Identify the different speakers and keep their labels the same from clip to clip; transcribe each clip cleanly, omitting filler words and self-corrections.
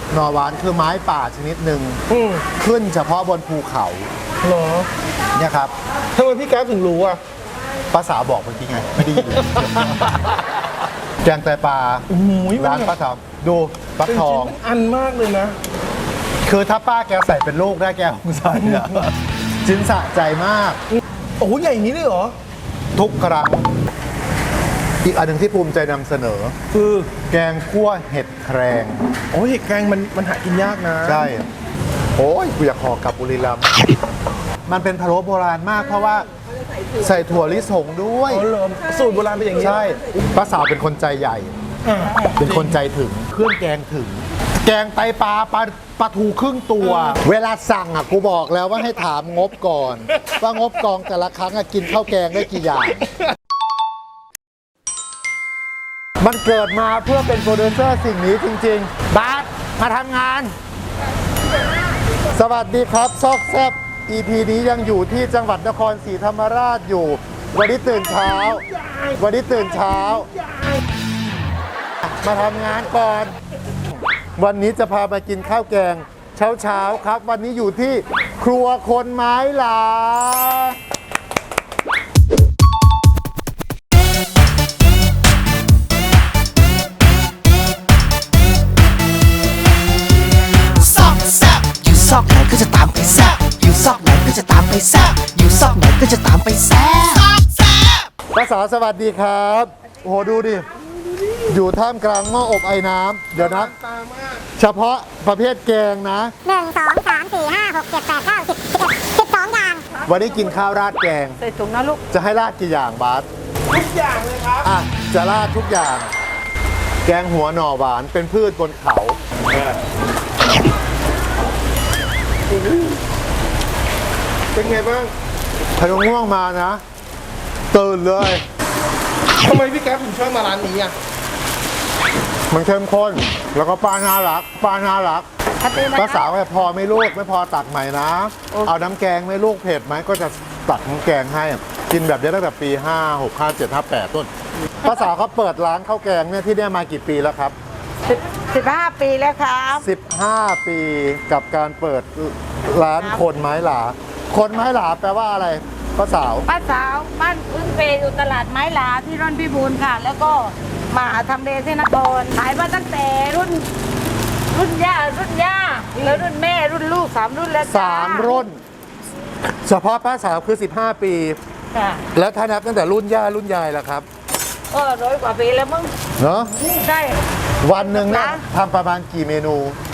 Speaker 1: หน่อหวานคือไม้ป่าชนิดหนึ่งขึ้นเฉพาะบนภูเขา
Speaker 2: เหรอ
Speaker 1: เนี่ยครับ
Speaker 2: ทำไมพี่แก๊ปถึงรู้อ่ะ
Speaker 1: ป้าสาวบอกเมื่อกี้ไงไม่ได้ยินเลย แกงไตปลา
Speaker 2: โอ้โห
Speaker 1: ร้านป้าสาวดูฟักทอง
Speaker 2: เป็นชิ้นอันมากเลยนะ
Speaker 1: คือถ้าป้าแกใส่เป็นลูกได้แกคงใส่อะชิ้นสะใจมาก
Speaker 2: โอ้โหใหญ่อย่างนี้เลยเหรอ
Speaker 1: ทุกครั้ง อีกอันหนึ่งที่ภูมิใจนำเสนอ
Speaker 2: คือ
Speaker 1: แกงคั่วเห็ดแครง
Speaker 2: โอ้ยเห็ดแกงมันหากินยากนะ
Speaker 1: ใช่ โอ้ยกูอยากขอกลับบุรีรัมย์มันเป็นพะโล้โบราณมากเพราะว่าใส่ถั่วลิสงด้วย
Speaker 2: อ๋อเหรอสูตรโบราณเป็นอย่างนี้
Speaker 1: ใช่ป้าสาวเป็นคนใจใหญ่
Speaker 2: อ่า
Speaker 1: เป็นคนใจถึง เครื่องแกงถึง แกงไตปลาปลาทูครึ่งตัว เวลาสั่งอ่ะกูบอกแล้วว่าให้ถามงบก่อน ว่างบกองแต่ละครั้งอ่ะกินข้าวแกงได้กี่อย่าง มันเกิดมาเพื่อเป็นโปรดิวเซอร์สิ่งนี้จริงๆ บาสมาทำงาน สวัสดีครับซอกแซบ EP นี้ยังอยู่ที่จังหวัดนครศรีธรรมราชอยู่ วันนี้ตื่นเช้า มาทำงานก่อน วันนี้จะพามากินข้าวแกงเช้าๆครับ วันนี้อยู่ที่ครัวคนไม้หลา
Speaker 3: ซอกแซบอยู่ซอกไหนก็จะตามไปแซบอยู่ซอกไหนก็จะตามไปแซบอยู่ซอกไหนก็จะตามไปแซบซอกแซบ
Speaker 1: ป้าสาวสวัสดีครับ โอ้โหดูดิ อยู่ท่ามกลางหม้ออบไอ้น้ำเดี๋ยวนะ
Speaker 2: ตามาก
Speaker 1: เฉพาะประเภทแกงนะ
Speaker 4: 1 2 3 4 5 6 7 8 9 10 12 อย่าง
Speaker 1: วันนี้กินข้าวราดแกง
Speaker 4: ใส่ถุงนะลูก
Speaker 1: จะให้ราดกี่อย่างบาส
Speaker 2: ทุกอย่างเลยครับ
Speaker 1: อ่ะ จะราดทุกอย่าง แกงหัวหน่อหวานเป็นพืชบนเขา
Speaker 2: เป็นไงบ้าง
Speaker 1: พยงง่วงมานะ ตื่นเลย
Speaker 2: ทำไมพี่แก๊ปถึงชอบมาร้านนี้อ่ะ
Speaker 1: มันเข้มข้น แล้วก็ป้าน่ารักป้าสาวก็พอไหม่ลูกไม่พอตักใหม่นะ เอาน้ำแกงไหม่ลูกเผ็ดไหมก็จะตักน้ำแกงให้ กินแบบนี้ตั้งแต่ปี 5 6 5 7 5 8 ต้นป้าสาวเขาเปิดร้านข้าวแกงเนี่ยที่เนี่ยมากี่ปีแล้วครับ
Speaker 4: 15 ปีแล้วครับ
Speaker 1: 15 ปีกับการเปิดร้านคนไม้หลา คนไม้หลาแปลว่าอะไรป้าสาว
Speaker 4: ป้าสาวบ้านพึ่งเพอยู่ตลาดไม้หลาที่ร่อนพิบูลค่ะ แล้วก็มาทำเลที่นครขายมาตั้งแต่รุ่นย่าแล้วรุ่นแม่รุ่นลูก3 รุ่นแล้วจ้า
Speaker 1: 3 รุ่น เฉพาะป้าสาวคือ 15 ปี
Speaker 4: ค่ะ
Speaker 1: แล้วถ้านับตั้งแต่รุ่นย่ารุ่นยายล่ะครับ
Speaker 4: ก็100 กว่าปีแล้วมึง
Speaker 1: เนาะ
Speaker 4: ใช่
Speaker 1: วันหนึ่งเนี่ยทำประมาณกี่เมนู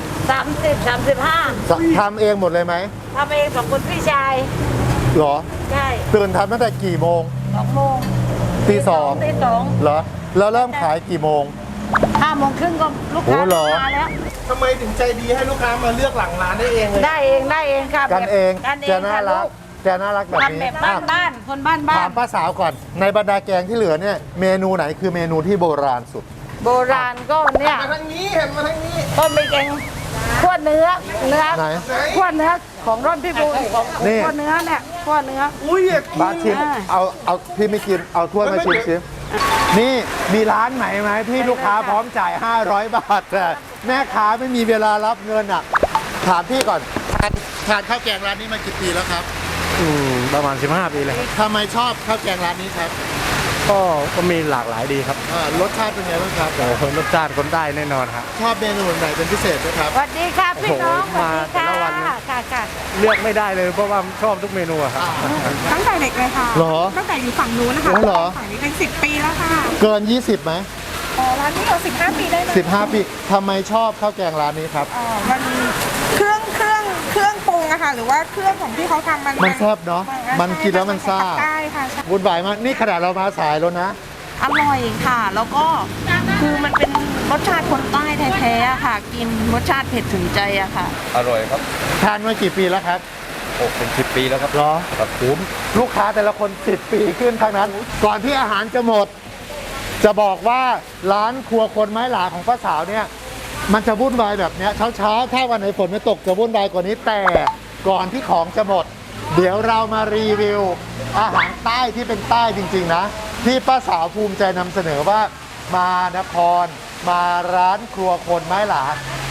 Speaker 4: 30 35
Speaker 1: ทำเองหมดเลยไหม
Speaker 4: ทำเอง2 คนพี่ชาย
Speaker 1: เหรอ
Speaker 4: ใช่
Speaker 1: ตื่นทำตั้งแต่กี่โมง
Speaker 4: 2 โมง
Speaker 1: ตีสอง
Speaker 4: ตี 2
Speaker 1: เหรอ แล้วเริ่มขายกี่โมง
Speaker 4: 5 โมงครึ่งก็ลูกค้า
Speaker 1: โอ้เหรอ
Speaker 4: มาแล้ว
Speaker 2: ทำไมถึงใจดีให้ลูกค้ามาเลือกหลังร้านได้เองเลย
Speaker 4: ได้เองค่ะ
Speaker 1: กันเอง
Speaker 4: กันเอ
Speaker 1: แก
Speaker 4: ง
Speaker 1: น่า
Speaker 4: ค่ะ
Speaker 1: รั
Speaker 4: ลู
Speaker 1: ก
Speaker 4: ก
Speaker 1: แกน่ารักแบบ
Speaker 4: ทำแบ
Speaker 1: นี้
Speaker 4: บบ้านคนบ้าน
Speaker 1: ถามป้าสาวก่อน ในบรรดาแกงที่เหลือเนี่ยเมนูไหนคือเมนูที่โบราณสุด
Speaker 4: โบราณก็เนี่ย
Speaker 2: มาทางนี้เห็นมาทางนี้
Speaker 4: ก็มีแกงขั้วเนื้อ
Speaker 1: ไหน
Speaker 4: ขั้วเนื้อของร่อนพิบูลของ
Speaker 1: นี่
Speaker 4: ขั้วเนื้อเนี่ยขั้วเนื้อ
Speaker 2: อุ้ยอยากกิน
Speaker 1: บาสชิม
Speaker 4: อ่า
Speaker 1: เอาพี่ไม่กิน เอาถ้วยมาชิมนี่มีร้านไหนไหมที่ลูกค้าพร้อมจ่าย 500 บาทแต่แม่ค้าไม่มีเวลารับเงินอ่ะ ถามพี่ก่อนทานข้าวแกงร้านนี้มากี่ปีแล้วครับ
Speaker 5: ประมาณ 15 ปีเลย
Speaker 1: ทำไมชอบข้าวแกงร้านนี้ครับ
Speaker 5: ก็มีหลากหลายดีครับ
Speaker 1: รสชาติเป็นไงบ้างครับ
Speaker 5: โอ้โหรสชาติคนได้แน่นอนครับ
Speaker 1: ชอบเมนูไหนเป็นพิเศษไหมครับ
Speaker 4: สวัสดีค่ะพี่น้อง
Speaker 5: โอ้โหมาแต่ละวัน
Speaker 4: ค่ะ
Speaker 5: เลือกไม่ได้เลยเพราะว่าชอบทุกเมนูอะครับ
Speaker 6: ตั้งแต่เด็กเลยค่ะ
Speaker 1: เหรอ
Speaker 6: ตั้งแต่อยู่ฝั่งนู้นนะคะ
Speaker 1: โอ้เหรอ
Speaker 6: ฝั่งนี้เป็น10 ปีแล้วค่ะ
Speaker 1: เกิน 20ไหม
Speaker 6: ร้านนี้เรา15 ปีได้ไหม
Speaker 1: 15 ปีทำไมชอบข้าวแกงร้านนี้ครับ
Speaker 6: มันเครื่องปรุงอะค่ะ หรือว่าเครื่องของที่เขาทำ
Speaker 1: มันแซ่บเนอะมันกินแล้วมันซ่า
Speaker 6: ได้ค่ะใช่
Speaker 1: วุ่นวายมากนี่ขนาดเรามาสายแล้วนะ
Speaker 6: อร่อยค่ะ แล้วก็คือมันเป็นรสชาติคนใต้แท้ๆอะค่ะ กินรสชาติเผ็ดถึงใจอะค่ะ
Speaker 5: อร่อยครับ
Speaker 1: ทานมากี่ปีแล้วครับ
Speaker 5: โอ้เป็น 10 ปีแล้วครับ
Speaker 1: เหรอ
Speaker 5: ครับคุ้ม
Speaker 1: ลูกค้าแต่ละคน10 ปีขึ้นทั้งนั้น ก่อนที่อาหารจะหมด จะบอกว่าร้านครัวคนไม้หลาของป้าสาวเนี่ย มันจะวุ่นวายแบบเนี้ยเช้าๆถ้าวันไหนฝนไม่ตกจะวุ่นวายกว่านี้แต่ก่อนที่ของจะหมด เดี๋ยวเรามารีวิว อาหารใต้ที่เป็นใต้จริงๆนะ ที่ป้าสาวภูมิใจนำเสนอว่ามานคร มาร้านครัวคนไม้หลา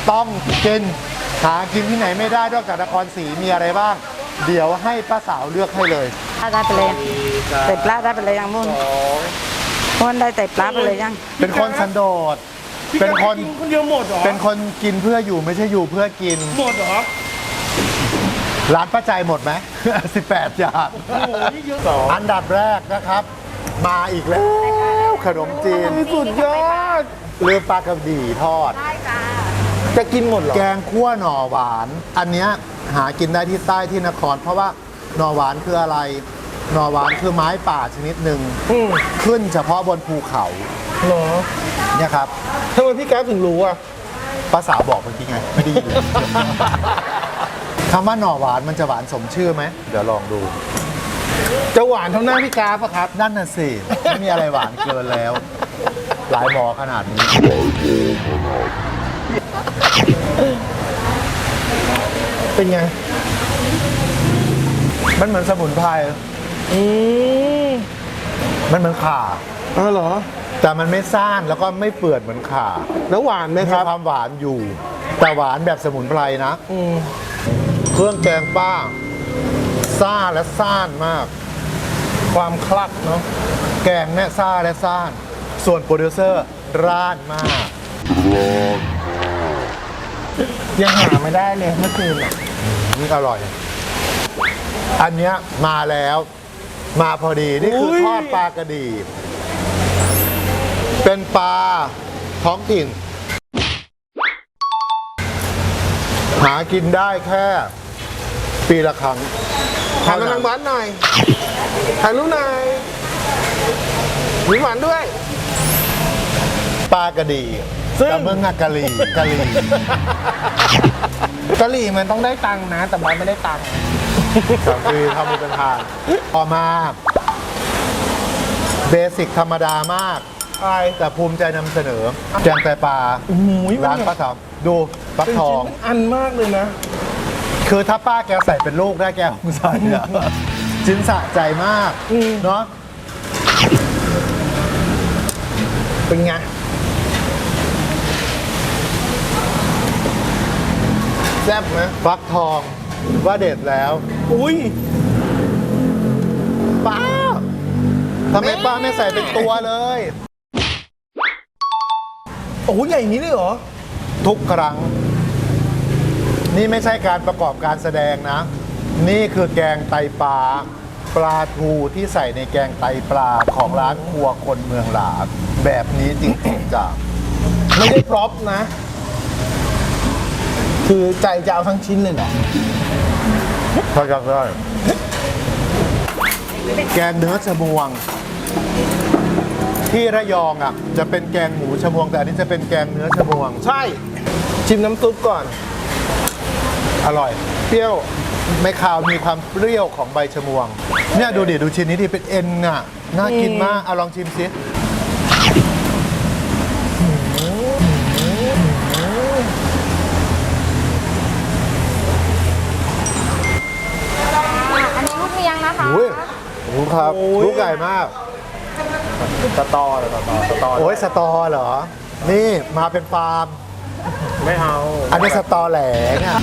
Speaker 1: ต้องกินหากินที่ไหนไม่ได้นอกจากนครศรีมีอะไรบ้าง เดี๋ยวให้ป้าสาวเลือกให้เลย
Speaker 4: ได้ไปเลยใส่ปลาได้ไปเลยยังมุ่นมุ่นได้ใส่ปลาไปเลยยัง
Speaker 1: เป็นคนสันโดษ
Speaker 2: พี่
Speaker 1: เป็น
Speaker 2: แก๊ป
Speaker 1: คน
Speaker 2: กินคนเดียวหมดเหรอ
Speaker 1: เป็นคนกินเพื่ออยู่ไม่ใช่อยู่เพื่อกิน
Speaker 2: หมดเหรอ
Speaker 1: ร้านป้าใจหมดไหม 18 อย่าง
Speaker 2: โอ้โหนี่เยอะสอง
Speaker 1: อันดับแรกนะครับ มาอีกแล้วขนมจีน
Speaker 2: สุดยอด
Speaker 1: เรือปลากระดี่ทอด
Speaker 4: ได้จ้า
Speaker 2: จะกินหมดเหรอ
Speaker 1: แกงคั่วหน่อหวาน อันเนี้ยหากินได้ที่ใต้ที่นคร เพราะว่าหน่อหวานคืออะไร หน่อหวานคือไม้ป่าชนิดหนึ่ง
Speaker 2: อืม
Speaker 1: ขึ้นเฉพาะบนภูเขา
Speaker 2: เหรอ
Speaker 1: เนี่ยครับ
Speaker 2: ทำไมพี่แก๊ปถึงรู้อ่ะ
Speaker 1: ป้าสาวบอกเมื่อกี้ไง ไม่ได้ยินเลย คำว่าหน่อหวานมันจะหวานสมชื่อไหม เดี๋ยวลองดู
Speaker 2: จะหวานเท่าหน้าพี่แก๊ปอะครับ
Speaker 1: นั่นน่ะสิ ไม่มีอะไรหวานเกินแล้ว หลายหมอขนาดนี้
Speaker 2: เป็นไง
Speaker 1: มันเหมือนสมุนไพร
Speaker 2: อืม
Speaker 1: มันเหมือนข่า
Speaker 2: อ๋อเหรอ
Speaker 1: แต่มันไม่ซ่านแล้วก็ไม่เปื่อนเหมือนข่า
Speaker 2: แล้วหวานไหม
Speaker 1: มี
Speaker 2: ครับ
Speaker 1: ความหวานอยู่ แต่หวานแบบสมุนไพรนะ
Speaker 2: อืม
Speaker 1: เครื่องแกงป้าซ่าและซ่านมาก
Speaker 2: ความคลักเนาะ
Speaker 1: แกงเนี่ยซ่าและซ่าน ส่วนโปรดิวเซอร์ร้านมาก
Speaker 2: ยังหาไม่ได้เลยเมื่อคืนอ่ะ
Speaker 1: นี่อร่อย อันเนี้ยมาแล้ว มาพอดี นี่คือทอดปลากระดี เป็นปลาท้องถิ่น หากินได้แค่ปีละครั้ง
Speaker 2: ถ่ายกำลังบ้านหน่อย ถ่ายรูปหน่อยมีหวานด้วย
Speaker 1: ปลากระดี
Speaker 2: ซึ่ง
Speaker 1: แต่เมืองอะกะหรี่กะหรี่
Speaker 2: กะหรี่มันต้องได้ตังค์นะ แต่บ้านไม่ได้ตังค์
Speaker 1: สามปีทำเป็นทานต่อมาเบสิกธรรมดามาก
Speaker 2: อะไร
Speaker 1: แต่ภูมิใจนำเสนอ แกงไตปลา
Speaker 2: โอ้โหมัน
Speaker 1: ร้านป้าสาวดูฟัก
Speaker 2: เป็น
Speaker 1: ทอ
Speaker 2: ชิ้
Speaker 1: ง
Speaker 2: นอันมากเลยนะ
Speaker 1: คือถ้าป้าแกใส่เป็นลูกได้แกคงใส่อะชิ้นสะใจมาก
Speaker 2: อืม
Speaker 1: เนาะ
Speaker 2: เป็นไง แซ่บไหม
Speaker 1: ฟักทองว่าเด็ดแล้ว
Speaker 2: อุ้ย
Speaker 1: ป้าทำไมป้าไม่ใส่เป็นตัวเลย
Speaker 2: โอ้โหใหญ่อย่างนี้เลยเหรอ
Speaker 1: ทุกครั้ง นี่ไม่ใช่การประกอบการแสดงนะ นี่คือแกงไตปลาปลาทูที่ใส่ในแกงไตปลาของร้านครัวคนเมืองหลาดแบบนี้จริงๆจ้ะ
Speaker 2: ไม่ได้พร็อพนะ คือใจจะเอาทั้งชิ้นเลยเหรอ
Speaker 1: ถ้าอยากได้แกงเนื้อชะมวง ที่ระยองอ่ะจะเป็นแกงหมูชะมวง แต่อันนี้จะเป็นแกงเนื้อชะมวง
Speaker 2: ใช่ ชิมน้ำซุปก่อน
Speaker 1: อร่อย
Speaker 2: เปรี้ยว
Speaker 1: ไม่คาวมีความเปรี้ยวของใบชะมวง เนี่ยดูดิดูชิ้นนี้ดิเป็นเอ็นอ่ะน่ากินมากเอาลองชิมสิ
Speaker 4: อันนี้ลูกเมียงนะคะ
Speaker 1: อุ้ยดูครับ
Speaker 2: โอ้ย
Speaker 1: ลูกใหญ่มาก
Speaker 5: สตอเลยสตอ
Speaker 1: โอ้ยสตอเหรอ นี่มาเป็นฟาร์ม
Speaker 5: ไม่เอา
Speaker 1: อันนี้สตอแหลเนี่ย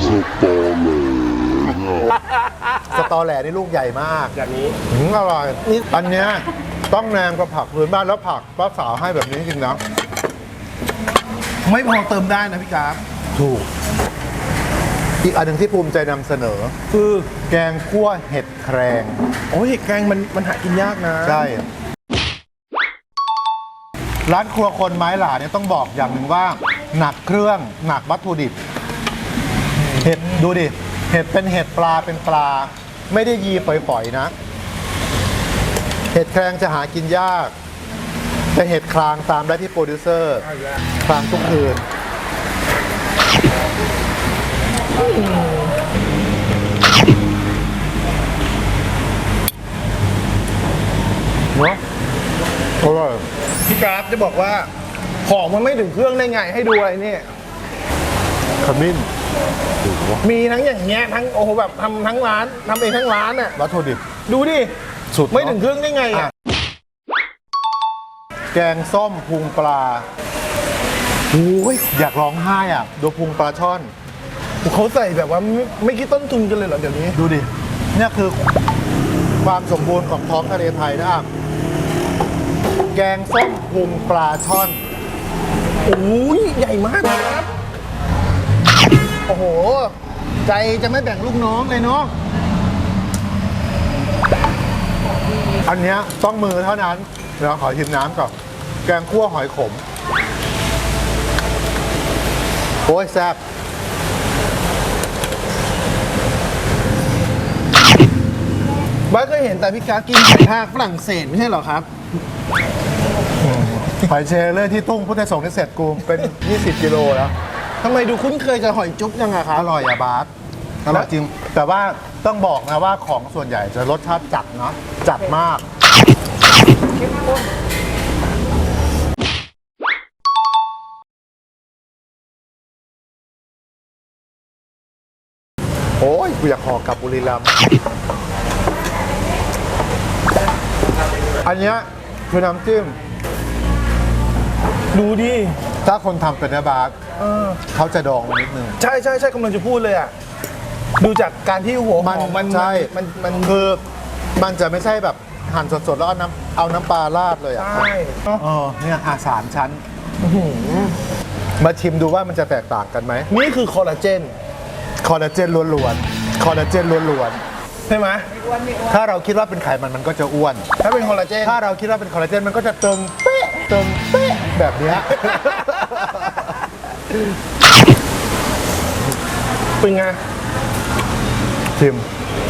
Speaker 1: สตอแหลนี่ลูกใหญ่มาก
Speaker 5: อย่างนี้
Speaker 1: อร่อยอันเนี้ยต้องแนมกับผักพื้นบ้านแล้วผักป้าสาวให้แบบนี้จริงๆนะ
Speaker 2: ไม่พอเติมได้นะพี่กราฟ
Speaker 1: ถูก อีกอันหนึ่งที่ภูมิใจนำเสนอ
Speaker 2: คือ
Speaker 1: แกงคั่วเห็ดแครง
Speaker 2: โอ้ยเห็ดแกงมันหากินยากนะ
Speaker 1: ใช่ ร้านครัวคนไม้หลาเนี่ยต้องบอกอย่างหนึ่งว่า หนักเครื่องหนักวัตถุดิบ เห็ดดูดิ เห็ดเป็นเห็ดปลาเป็นปลา ไม่ได้ยีฝอยๆนะ เห็ดแครงจะหากินยาก แต่เห็ดคลางตามได้ที่โปรดิวเซอร์คลางทุกคืน เนาะอร่อย
Speaker 2: พี่กราฟจะบอกว่า ของมันไม่ถึงเครื่องได้ไงให้ดูอะไรเนี่ย
Speaker 1: ขมิ้น
Speaker 2: มีทั้งอย่างเงี้ยทั้งโอ้โหแบบทำทั้งร้านทำเองทั้งร้านอ่ะ
Speaker 1: วัตถุดิบ
Speaker 2: ดูดิ
Speaker 1: สุดเนอะ
Speaker 2: ไม่ถึงเครื่องได้ไงอ่ะ
Speaker 1: แกงส้มพุงปลาโอ้ยอยากร้องไห้อ่ะดูพุงปลาช่อน
Speaker 2: เขาใส่แบบว่าไม่คิดต้นทุนกันเลยเหรอเดี๋ยวนี้
Speaker 1: ดูดิ เนี่ยคือความสมบูรณ์ของท้องทะเลไทยนะครับ แกงส้มพุงปลาช่อน
Speaker 2: โอ้ยใหญ่มากนะครับ
Speaker 1: โอ้โห ใจจะไม่แบ่งลูกน้องเลยเนาะ อันเนี้ยต้องมือเท่านั้น เดี๋ยวขอชิมน้ำก่อน แกงคั่วหอยขม โอ้ยแซ่บ
Speaker 2: บ้านเคยเห็นแต่พี่การกินไข่ทากฝรั่งเศสไม่ใช่เหรอครับ
Speaker 1: หอยเชลเลยที่ตุ้งพุทธสงฆ์ที่เสร็จกูเป็น 20 กิโลแล้ว
Speaker 2: ทำไมดูคุ้นเคยกับหอยจุ๊บยังอะครับ
Speaker 1: อร่อยอะบาสอร่อยจริง แต่ว่าต้องบอกนะว่าของส่วนใหญ่จะรสชาติจัดเนาะ จัดมาก โอ้ยกูอยากขอกลับบุรีรัมย์อันเนี้ยคือน้ำจิ้ม
Speaker 2: ดูดิ
Speaker 1: ถ้าคนทำเป็นนะบาสเขาจะดองมานิดนึง
Speaker 2: ใช่ใช่ใช่กำลังจะพูดเลยอ่ะ ดูจากการที่หัวหอมมัน
Speaker 1: ใช่
Speaker 2: มัน
Speaker 1: คือมันจะไม่ใช่แบบหั่นสดๆ แล้วเอาน้ำปลาราดเลยอ่ะ
Speaker 2: ใช่
Speaker 1: เนี่ยสามชั้น มาชิมดูว่ามันจะแตกต่างกันไหม
Speaker 2: นี่คือคอลลาเจน
Speaker 1: คอลลาเจนล้วนๆ คอลลาเจนล้วน
Speaker 2: ใช่ไหม
Speaker 1: ๆ ถ้าเราคิดว่าเป็นไขมันมันก็จะอ้วน
Speaker 2: ถ้าเป็นคอลลาเจน
Speaker 1: ถ้าเราคิดว่าเป็นคอลลาเจนมันก็จะเติมเป๊ะเติมเป๊ะแบบเนี้ย
Speaker 2: เป็นไง
Speaker 1: ชิม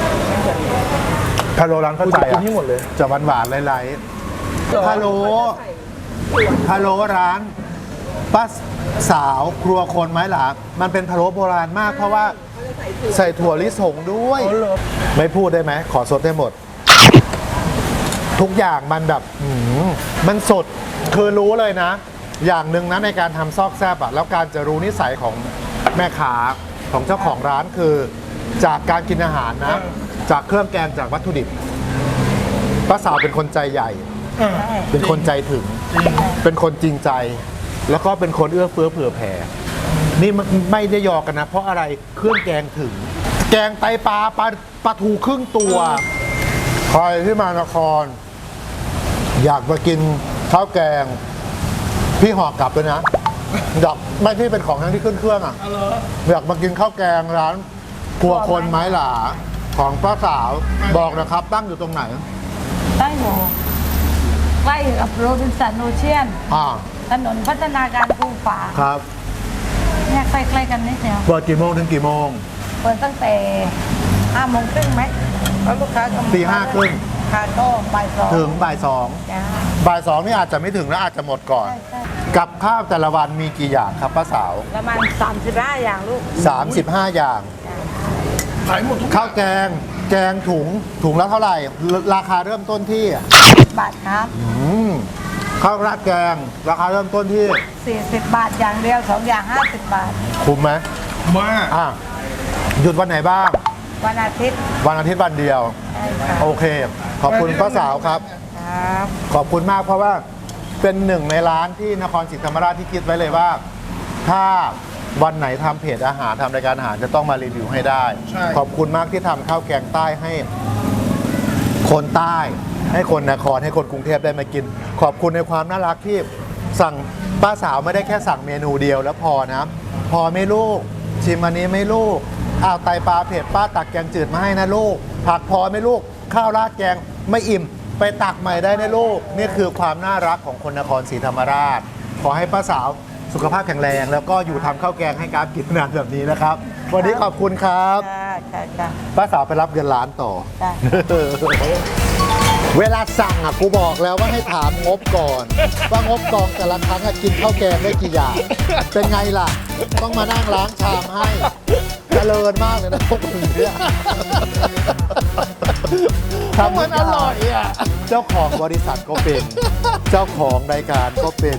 Speaker 1: พะโล้ร้านเข้าใจ
Speaker 2: กิ
Speaker 1: อ่ะ
Speaker 2: นให้หมดเลย
Speaker 1: จะหวานๆไล่ๆพะโล้ร้านป้าสาวครัวคนไม้หลามันเป็นพะโล้โบราณมาก เพราะว่าใส่ถั่วลิสงด้วย
Speaker 2: อ๋อเหรอ
Speaker 1: ไม่พูดได้ไหมขอสดได้หมด ทุกอย่างมันแบบมันสดคือรู้เลยนะ อย่างหนึ่งนะในการทำซอกแซบอะแล้วการจะรู้นิสัยของแม่ค้าของเจ้าของร้านคือจากการกินอาหารนะ จากเครื่องแกงจากวัตถุดิบป้าสาวเป็นคนใจใหญ่ เป็นคนใจถึง เป็นคนจริงใจ แล้วก็เป็นคนเอื้อเฟื้อเผื่อแผ่ นี่มันไม่ได้ยอกันนะ เพราะอะไรเครื่องแกงถึง แกงไตปลาทูครึ่งตัว ใครที่มานคร อยากมากินข้าวแกง พี่ห่อกลับเลยนะอยากไม่ที่เป็นของทั้งที่ขึ้นเครื่องอ่ะอยากมากินข้าวแกงร้านครัวคนไม้หลาของป้าสาวบอกนะครับ ตั้งอยู่ตรงไหน
Speaker 4: ตั้งอยู่ใกล้กับโรบินสันโอเชียน ถนนพัฒนาการภูฝา
Speaker 1: ครับ
Speaker 4: เนี่ยใกล้ๆกันนิดเดียว
Speaker 1: เปิดกี่โมงถึงกี่โมง
Speaker 4: เปิดตั้งแต่5 โมงครึ่งไหมแล้วลูกค้าก็มา
Speaker 1: ตีห้าครึ่ง
Speaker 4: ค่ะก็บ่ายสอง
Speaker 1: ถึงบ่ายสอง
Speaker 4: จ้า
Speaker 1: บ่ายสองนี่อาจจะไม่ถึงแล้วอาจจะหมดก่อน
Speaker 4: ใช่ใช่
Speaker 1: กับข้าวแต่ละวันมีกี่อย่างครับป้าสาว
Speaker 4: ประมาณ35 อย่างลูก
Speaker 1: 35 อย่าง
Speaker 2: ขายหมดทุก
Speaker 1: ข้าวแกง แกงถุงละเท่าไหร่ ราคาเริ่มต้นที่
Speaker 4: บาทครับ
Speaker 1: ข้าวราดแกง ราคาเริ่มต้นที่
Speaker 4: 40 บาทอย่างเดียว 2 อย่าง 50 บาท
Speaker 1: คุ้มไหม
Speaker 2: มาก
Speaker 1: หยุดวันไหนบ้าง
Speaker 4: วันอาทิตย์
Speaker 1: วันอาทิตย์วันเดียว
Speaker 4: ใช่ค่ะ
Speaker 1: โอเค ขอบคุณป้าสาวครับ
Speaker 4: ครับ
Speaker 1: ขอบคุณมากเพราะว่าเป็นหนึ่งในร้านที่นครศรีธรรมราชที่คิดไว้เลยว่า ถ้าวันไหนทำเพจอาหารทำรายการอาหารจะต้องมารีวิวให้ได้
Speaker 2: ใช่
Speaker 1: ขอบคุณมากที่ทำข้าวแกงใต้ให้คนใต้ ให้คนนครให้คนกรุงเทพได้มากิน ขอบคุณในความน่ารักที่สั่งป้าสาวไม่ได้แค่สั่งเมนูเดียวแล้วพอนะ พอไหม่ลูก ชิมอันนี้ไหม่ลูกอ้าวไตปลาเผ็ดป้าตักแกงจืดมาให้นะลูก ผักพอไหม่ลูก ข้าวราดแกงไม่อิ่ม ไปตักใหม่ได้นะลูกนี่คือความน่ารักของคนนครศรีธรรมราช ขอให้ป้าสาวสุขภาพแข็งแรง แล้วก็อยู่ทำข้าวแกงให้กราฟกินนานแบบนี้นะครับ วันนี้ขอบคุณครับ
Speaker 4: ค่ะ
Speaker 1: ป้าสาวไปรับเงินล้านต่อ
Speaker 4: จ้ะ
Speaker 1: เวลาสั่งอ่ะกูบอกแล้วว่าให้ถามงบก่อน ว่างบกองแต่ละครั้งอะกินข้าวแกงได้กี่อย่าง เป็นไงล่ะ ต้องมานั่งล้างชามให้เจริญมากเลยนะพวกมึงเนี่ยทำมันอร่อยอ่ะเจ้าของบริษัทก็เป็น เจ้าของรายการก็เป็น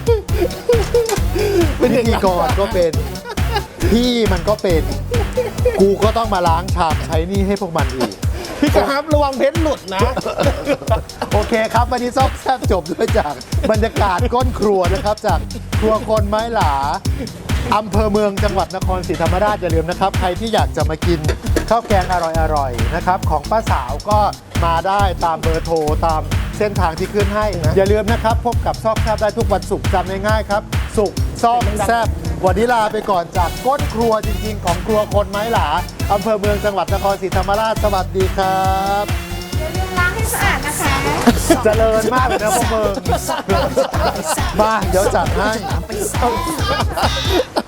Speaker 1: พิธีกรก็เป็น พี่มันก็เป็น กูก็ต้องมาล้างชามใช้หนี่ให้พวกมันอีก
Speaker 2: พี่ครับระวังเพชรหลุดนะ
Speaker 1: โอเคครับ วันนี้ซอกแซบจบด้วยจากบรรยากาศก้นครัวนะครับ จากครัวคนไม้หลาอำเภอเมืองจังหวัดนครศรีธรรมราชอย่าลืมนะครับ ใครที่อยากจะมากินข้าวแกงอร่อยๆนะครับของป้าสาวก็มาได้ตามเบอร์โทรตามเส้นทางที่ขึ้นให้นะอย่าลืมนะครับพบกับซอกแซบได้ทุกวันศุกร์จำง่ายๆครับศุกร์ซอกแซบวันนี้ลาไปก่อนจากก้นครัวจริงๆของครัวคนไม้หลาอำเภอเมืองจังหวัดนครศรีธรรมราชสวัสดีครับ
Speaker 6: อย่าลืมล้างให้สะอาดนะคะ
Speaker 1: เจริญมากเลยนะพวกมึงมาเดี๋ยวจัดให้